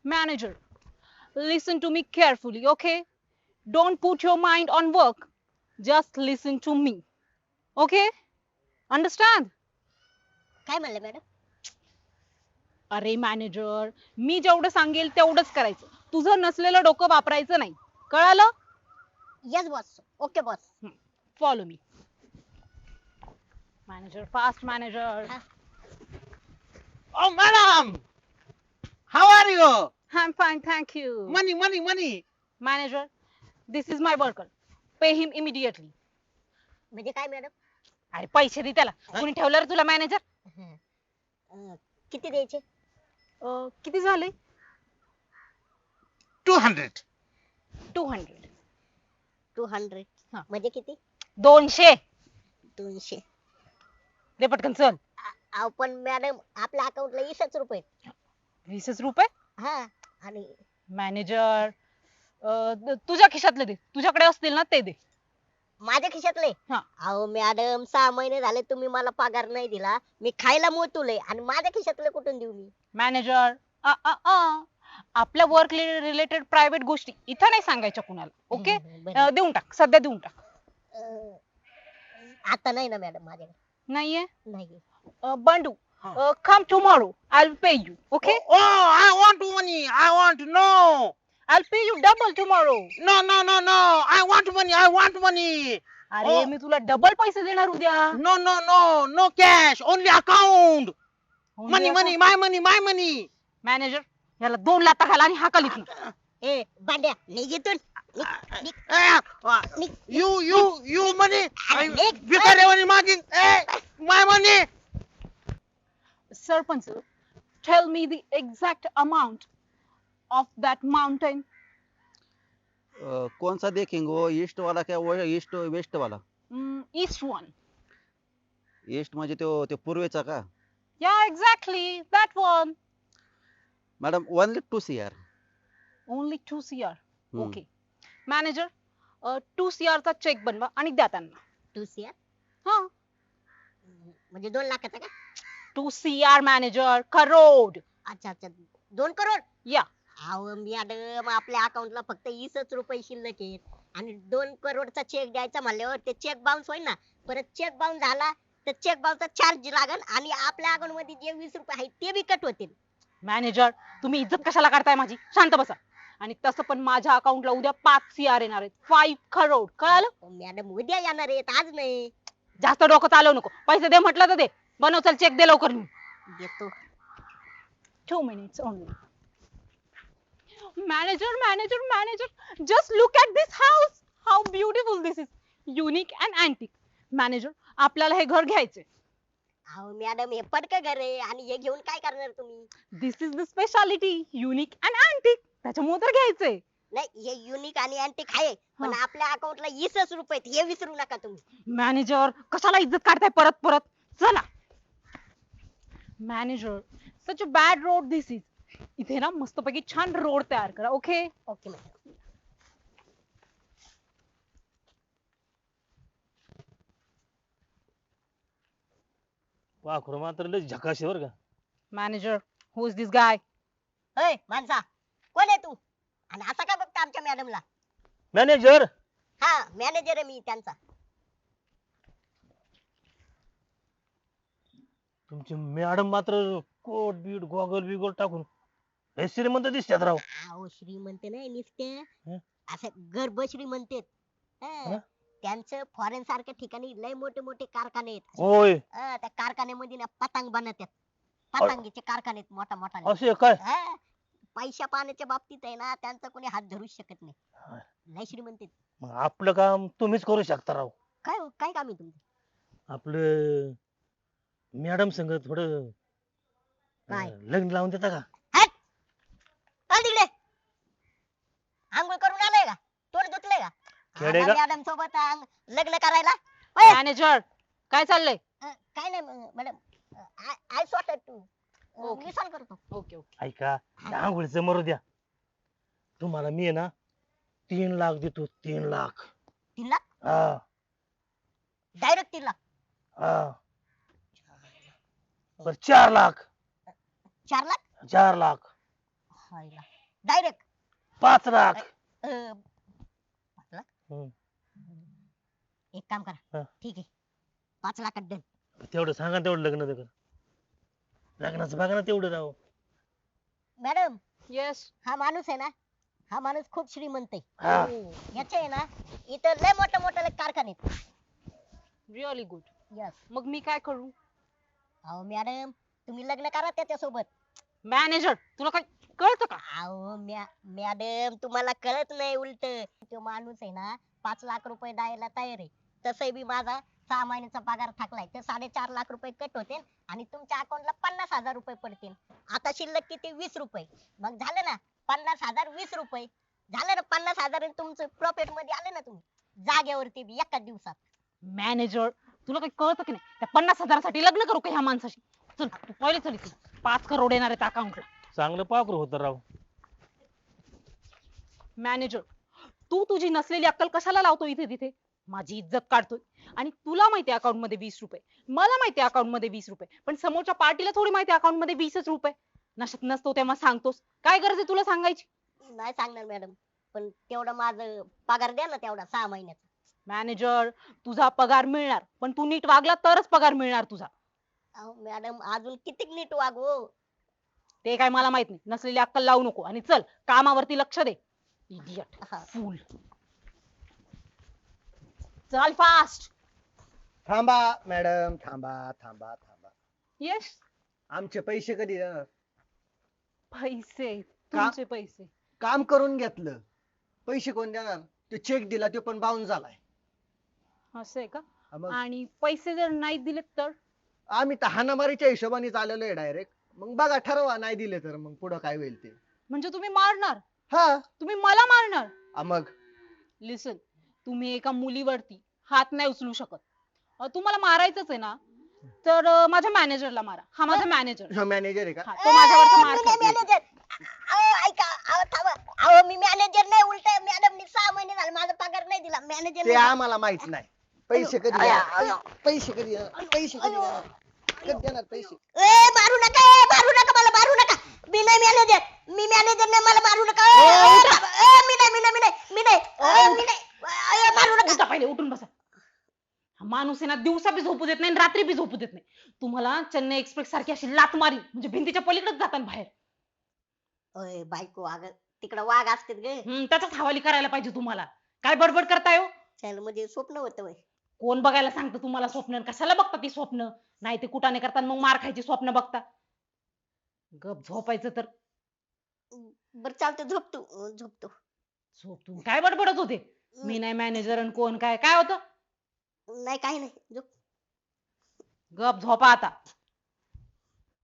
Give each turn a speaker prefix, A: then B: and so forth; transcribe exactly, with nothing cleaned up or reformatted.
A: Manager, listen to me carefully, okay? Don't put your mind on work. Just listen to me. Okay? Understand?
B: काय म्हणलं madam?
A: अरे manager, मी जेवढं सांगेल तेवढंच करायचं. तुझं नसलेलं डोकं वापरायचं नाही. कळालं?
B: Yes boss. Okay boss.
A: Follow me. Manager, fast manager.
C: Oh, madam! How are you?
A: I'm fine, thank you.
C: Money, money, money.
A: Manager, this is my worker. Pay him immediately.
B: म्हणजे काय मॅडम?
A: अरे पैसे दे त्याला. कोणी ठेवलं रे तुला मॅनेजर?
B: अं, किती द्यायचे?
A: किती झाले?
C: Two hundred.
A: Two hundred.
B: Two hundred.
A: हा.
B: म्हणजे किती?
A: दोनशे.
B: दोनशे.
A: दे पटकन चल.
B: अहो पण मॅडम आपल्या अकाउंटला वीसच रुपये.
A: वीसच रुपये?
B: हा. आणि
A: मॅनेजर, तुझ्या खिशातले दे. तुझ्याकडे असतील ना ते दे.
B: माझ्या खिशातले?
A: हा.
B: अहो मॅडम सहा महिने झाले तुम्ही मला पगार नाही दिला. मी खायला मोतुले आणि माझ्या खिशातले कुठून देऊ मी?
A: मॅनेजर, अ, अ, अ. आपल्या वर्क रिलेटेड प्रायव्हेट गोष्टी इथं नाही सांगायच्या कुणाला. ओके?
B: बरं.
A: देऊन टाक. सध्या देऊन टाक.
B: अं, आता नाही ना मॅडम माझ्याकडे.
A: नाहीये?
B: नाही.
A: Uh, Bandu, come tomorrow. I will pay you. Okay?
C: Oh, I want money. I want no.
A: I will pay you double tomorrow.
C: No, no, no, no. I want money. I want money.
A: अरे
C: Oh.
A: मी तुला double पैसे देणार उद्या.
C: No, no, no. No cash. Only account.
A: Only
C: Money,
A: account.
C: money. My money. My money.
A: Manager, याला दोन लाथा घाला आणि हाकल इथून.
B: ए बांड्या निघितून.
C: Eh, uh,
B: Nick.
C: you, you, you money. I,
B: Nick.
C: भिकारी money मागीन. Eh, my money.
A: Sarpanch, tell me the exact amount of that mountain.
D: Uh, कौन सा देखेंगे वो ईस्ट वाला क्या वो ईस्ट वेस्ट वाला?
A: East one.
D: ईस्ट म्हणजे तो ते पूर्वेचा का?
A: या exactly that one.
D: Madam only two C R.
A: Only two C R.
D: Hmm.
A: Okay. Manager, two C R चा चेक बनवा आणि द्या त्यांना.
B: Two C R.
A: हा.
B: म्हणजे दोन लाखाचा का?
A: To C R manager, crore.
B: अच्छा अच्छा. दोन करोड.
A: या.
B: अहो मॅडम आपल्या अकाउंटला फक्त वीसच रुपये शिल्लक आहेत आणि दोन करोडचा चेक द्यायचा म्हणल्यावर ते चेक बाउन्स होईल ना. परत चेक बाउन्स झाला तर चेक बाउन्सचा चार्ज लागल आणि आपल्या अकाउंट मध्ये जे वीस रुपये आहेत ते बी कट होतील.
A: मॅनेजर, तुम्ही इज्जत कशाला करताय माझी? शांत बसा. आणि तसं पण माझ्या अकाउंटला उद्या पाच सी आर येणार आहेत. फाईव्ह करोड. कळालं?
B: मॅडम उद्या येणार आहेत आज नाही.
A: जास्त डोकं चालवू नको. पैसे दे म्हटलं तर दे. बनव चल चेक दे लवकर.
B: देतो.
A: Two minutes only. Manager, manager, manager. Just look at this house. How beautiful this is. Unique and antique. Manager, आपल्याला हे घर घ्यायचे.
B: अहो मॅडम हे पडक घर आहे आणि हे घेऊन काय करणार तुम्ही?
A: This is the speciality. Unique and antique. त्याच्यामुळे तर घ्यायचे.
B: नाही हे युनिक आणि अँटिक आहे पण आपल्या अकाउंटला वीसच रुपये आहेत, हे विसरू नका तुम्ही.
A: मॅनेजर, कशाला इज्जत काढताय परत परत? चला. Manager, such a bad road this is. इथे ना मस्तपैकी छान रोड तयार करा. ओके?
B: Okay madam.
E: वाखरू मात्र लय झकाश आहे बरं का.
A: Manager, who is this guy?
B: होय माणसा कोण आहे तू आणि असा का बघता आमच्या मॅडमला?
E: मॅनेजर
B: हा मॅनेजर आहे मी त्यांचा.
E: तुमची मॅडम मात्र कोट बीट गॉगल बिगल टाकून हे श्रीमंत दिसतात राव.
B: अहो श्रीमंत नाही नुसते
E: हं?
B: असं गर्भ श्रीमंत आहेत. हं.
E: हं?
B: त्यांचं फॉरेन सारख्या ठिकाणी लय मोठे मोठे कारखाने आहेत.
E: होय
B: हं, त्या कारखान्यामध्ये ना पतंग बनवतात. पतंगीचे कारखाने आहेत मोठा मोठा.
E: असे काय?
B: पैशा पाण्याच्या बाबतीत आहे ना त्यांचा कोणी हात धरू शकत नाही. लय श्रीमंत आहेत.
E: मग आपलं काम तुम्हीच करू शकता राव.
B: काय हो, काय काम आहे तुमचं?
E: आपलं मॅडम संग थोडं
B: काय?
E: अं, लग्न लावून देता का?
B: चल तिकडे. आंघोळ करून आलाय का? तोंड धुतलंय का?
E: खेडे का?
B: मॅडम सोबत अंग- लग्न करायला. होय.
A: मॅनेजर, काय चाललंय?
B: अं, काय नाही madam. I sort to.
A: Okay.
B: मी सॉल्व करतो.
A: Okay okay.
E: ऐका त्या आंघोळीचं मरू द्या. तुम्हाला मी आहे ना तीन लाख देतो. तीन लाख.
B: तीन लाख
E: हा
B: डायरेक्ट तीन लाख.
E: हा बर चार लाख.
B: चार लाख.
E: चार लाख.
B: हायला. डायरेक्ट
E: पाच लाख हम्म.
B: एक काम करा
E: हा.
B: ठीक आहे पाच लाखात डन.
E: तेवढं सांगा ना, तेवढं लग्न कर लग्नाचं बघा ना तेवढं राव.
B: Madam
A: yes.
B: हा माणूस आहे ना हा माणूस खूप श्रीमंत आहे.
E: हा
B: याचे आहे ना इथं लय मोठे मोठे कारखाने
A: रिअली गुड.
B: यस.
A: मग मी काय करू?
B: अहो मॅडम तुम्ही लग्न करा त्याच्यासोबत.
A: मॅनेजर तुला काय कळतं का?
B: अहो मॅ मॅडम तुम्हाला कळत नाही उलट तो माणूस आहे ना पाच लाख रुपये द्यायला तयार आहे. तसही बी माझा सहा महिन्याचा पगार थकलाय तर साडेचार लाख रुपये कट होते आणि तुमच्या अकाउंटला पन्नास हजार रुपये पडतील. आता शिल्लक किती वीस रुपये. मग झालं ना पन्नास हजार वीस रुपये झालं ना पन्नास हजार आणि तुमचं प्रॉफिट मध्ये आले ना तुम्ही जागेवरती बी एकाच दिवसात.
A: मॅनेजर तुला काही कळतं की नाही? त्या पन्नास हजारासाठी लग्न करू का ह्या माणसाशी? चल तू पहिले चल इथून. पाच करोड येणार आहेत अकाउंटला.
E: चांगलं पाखरू होतं राव.
A: मॅनेजर तू तुझी नसलेली अक्कल कशाला लावतो इथे तिथे? माझी इज्जत काढतोय. आणि तुला माहिती अकाउंट मध्ये वीस रुपये, मला माहिती अकाउंट मध्ये वीस रुपये, पण समोरच्या पार्टीला थोडी माहिती अकाउंट मध्ये वीसच रुपये. नशत नसतो तेव्हा सांगतोस. काय गरज आहे तुला सांगायची?
B: नाही सांगणार मॅडम पण तेवढं माझं पगार द्या ना तेवढा सहा महिन्याचा.
A: मॅनेजर तुझा पगार मिळणार, पण तू नीट वागला तरच पगार मिळणार तुझा.
B: अहो मॅडम अजून किती नीट वागू.
A: ते काय मला माहित नाही. नसलेली अक्कल लावू नको आणि चल कामावरती लक्ष दे. इडियट
B: हा.
A: फूल. चल फास्ट.
F: थांबा मॅडम थांबा थांबा थांबा
A: यस.
F: आमचे पैसे कधी देणार?
A: पैसे तुमचे पैसे.
F: काम करून घेतलं पैसे कोण देणार? तो चेक दिला तो पण बाउन्स झालाय.
A: असं आहे का?
F: हा मग
A: आणि पैसे जर नाही दिले तर?
F: आम्ही तर हाणामारीच्या हिशोबाने आलेलो आहे डायरेक्ट. मग बघा ठरवा नाही दिले तर मग पुढं काय होईल ते.
A: म्हणजे तुम्ही मारणार?
F: हा
A: तुम्ही मला मारणार?
F: हा, मग
A: लिसन तुम्ही एका मुलीवरती हात नाही उचलू शकत. अं, तुम्हाला मारायचंच आहे ना तर अं, माझ्या मॅनेजरला मारा. हा माझा मॅनेजर.
F: मॅनेजर आहे का?
A: हा तो माझ्यावरचा मार
B: मी नाही
A: खातो.
B: मॅनेजर. अहो ऐका अहो थांबा अहो मी मॅनेजर नाही उलट मॅडमनी सहा महिने झाले माझा पगार नाही दिला
F: ते
B: मॅनेजर.
F: आम्हाला माहित नाही. पैसे कधी देणार? पैसे कधी देणार? पैसे कधी देणार? कधी देणार पैसे?
B: ए मारू नका ए मारू नका मला मारू नका. मी नाही मॅनेजर मी मॅनेजर नाही मला मारू नका. ए,
A: ओ, उठा.
B: थांबा. ए, मी नाही मी नाही मी नाही मी नाही ए, मी नाही ए, मारू नका.
A: उठा पहिले उठून बसा. हा माणूस आहे ना दिवसा बी झोपू देत नाही आणि रात्री बी झोपू देत नाही. तुम्हाला चेन्नई एक्सप्रेस सारखी अशी लात मारी म्हणजे भिंतीच्या पलीकडेच जातात बाहेर.
B: ओय बायको अगं तिकडं वाघ असतात ग.
A: हम्म, त्याचाच हवाली करायला पाहिजे तुम्हाला. काय बडबड करताय हो?
B: चल म्हणजे स्वप्न होतं वय.
A: कोण बघायला सांगतं तुम्हाला स्वप्न? कशाला बघता ती स्वप्न? नाही ते कुठाने करतात मग मार खायची स्वप्न बघता. गप झोपायचं तर
B: बर चालतं झोपतो अं, झोपतो.
A: झोप. तू काय बडबडत होते? मी नाही मॅनेजर आणि कोण काय काय होतं?
B: नाही काही नाही झोप.
A: गप झोपा आता.